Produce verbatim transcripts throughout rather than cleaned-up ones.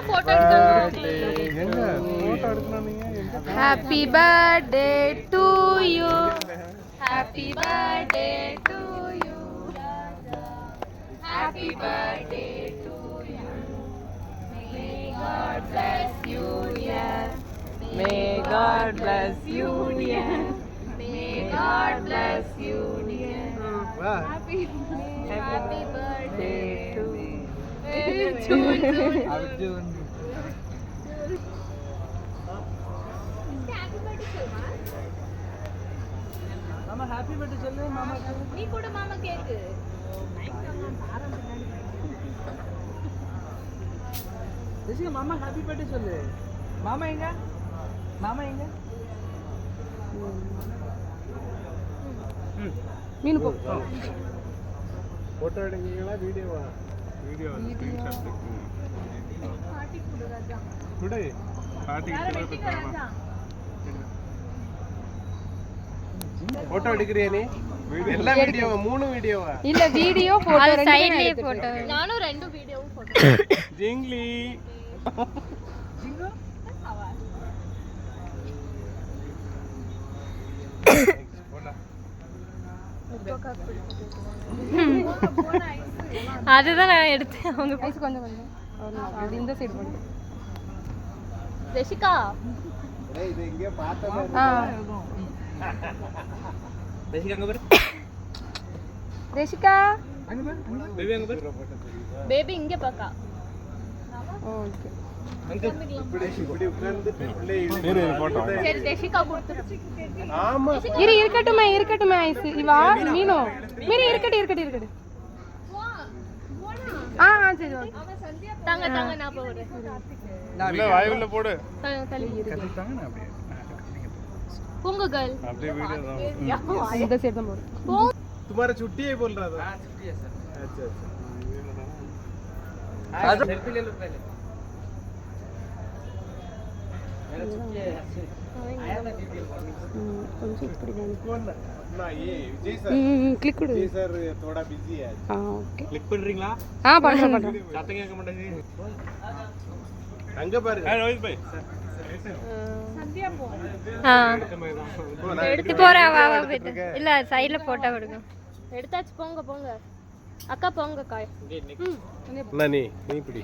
Photo எடுக்கணும் எங்க photo எடுக்கணும் நீங்க எங்க happy birthday to you happy birthday to you happy birthday to you may god bless you dear may god bless you dear may god bless you dear happy happy birthday to June June மாமா happy birthday சொல்லு மாமா நீ கூட மாமா cake Jessica மாமா happy birthday சொல்லு மாமா எங்க மாமா எங்க மீனு போ போட்டோ எடுக்கீங்களா வீடியோவா வீடியோ ஸ்கிரீன்ஷாட் பாட்டி கூட ராஜா டுடே பாட்டி போட்டோ எடுக்கறியா நீ எல்லா வீடியோவா மூணு வீடியோவா இல்ல வீடியோ போட்டோ ரெண்டு சைடுலயே போட்டோ நானும் ரெண்டு வீடியோவும் போட்டோ ஜிங்லி ஜிங்கோ அதுதான் நான் எடுத்தேன் அவங்க ஐஸ் கொஞ்சம் கொஞ்சம் அது இந்த சைடு பண்ணு ஜெசிகா டேய் இது எங்க பார்த்ததே ஆ ஜெசிகா அங்க பாரு ரேஷிகா அங்க பாரு பேபி அங்க பாரு பேபி இங்க பாக்கா ஓகே அங்க இப்படி இப்படி உட்கார்ந்து பிள்ளை இரு போட்டோ சரி ஜெசிகா கொடுத்து ஆமா இரு இருக்கட்டுமே இருக்கட்டுமே ஐஸ் இவா மீனு மீனு இருக்கட்டு இருக்கட்டு இருக்கட்டு ஆ ஆ சரி ஓகே தாங்க தாங்க நான் போறேன் இல்ல வாய் உள்ள போடு தாங்க தள்ளி கட்டி தாங்க நான் அப்படியே போங்க गर्ल அப்படியே வீடியோ தான் இந்த சைடு தான் போடு तुम्हारा छुट्टी है बोल रहा था हां छुट्टी है सर अच्छा अच्छा आज सेल्फी ले लो पहले मेरा छुट्टी है आया था ड्यूटी கொஞ்சம் இப்படி வந்து कौन ना ये विजय सर ம் கிளிக் கொடு विजय सर थोड़ा बिजी है ஆ ஓகே क्लिक பண்றீங்களா ஆ பண்றேன் பண்றேன் சாத்தங்க கேட்க மாட்டேங்குது அங்க பாரு ஹே ரோஹித் பாய் சந்தியா போ ஆ எடுத்து போறா வா வா போய்ட்டு இல்ல சைடுல போட்டோ எடுங்க எடுத்தாச்சு போங்க போங்க அக்கா போங்க காய் ना நீ நீ பிடி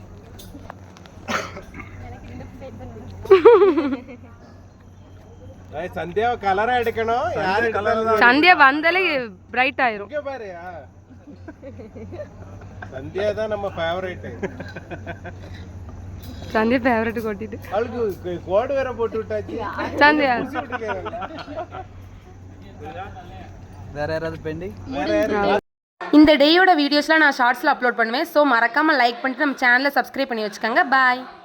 எனக்கு இந்த பேட் பண்ணு ஏய் சந்தியா கலரா எடுக்கணும் யாரு கலர் தான் சந்தியா வந்தாலே பிரைட் ஆயிரும் இங்க பாரு சந்தியா தான் நம்ம ஃபேவரட் சந்தியா ஃபேவரட் கொட்டிட்டு அவளுக்கு கோட் வேற போட்டு விட்டாச்சு சந்தியா வேற யாராவது பெண்டிங் வேற யாரு இந்த டேயோட வீடியோஸ்லாம் நான் ஷார்ட்ஸில் அப்லோட் பண்ணுவேன் ஸோ மறக்காமல் லைக் பண்ணிட்டு நம்ம சேனலை சப்ஸ்கிரைப் பண்ணி வச்சுக்கோங்க பாய்.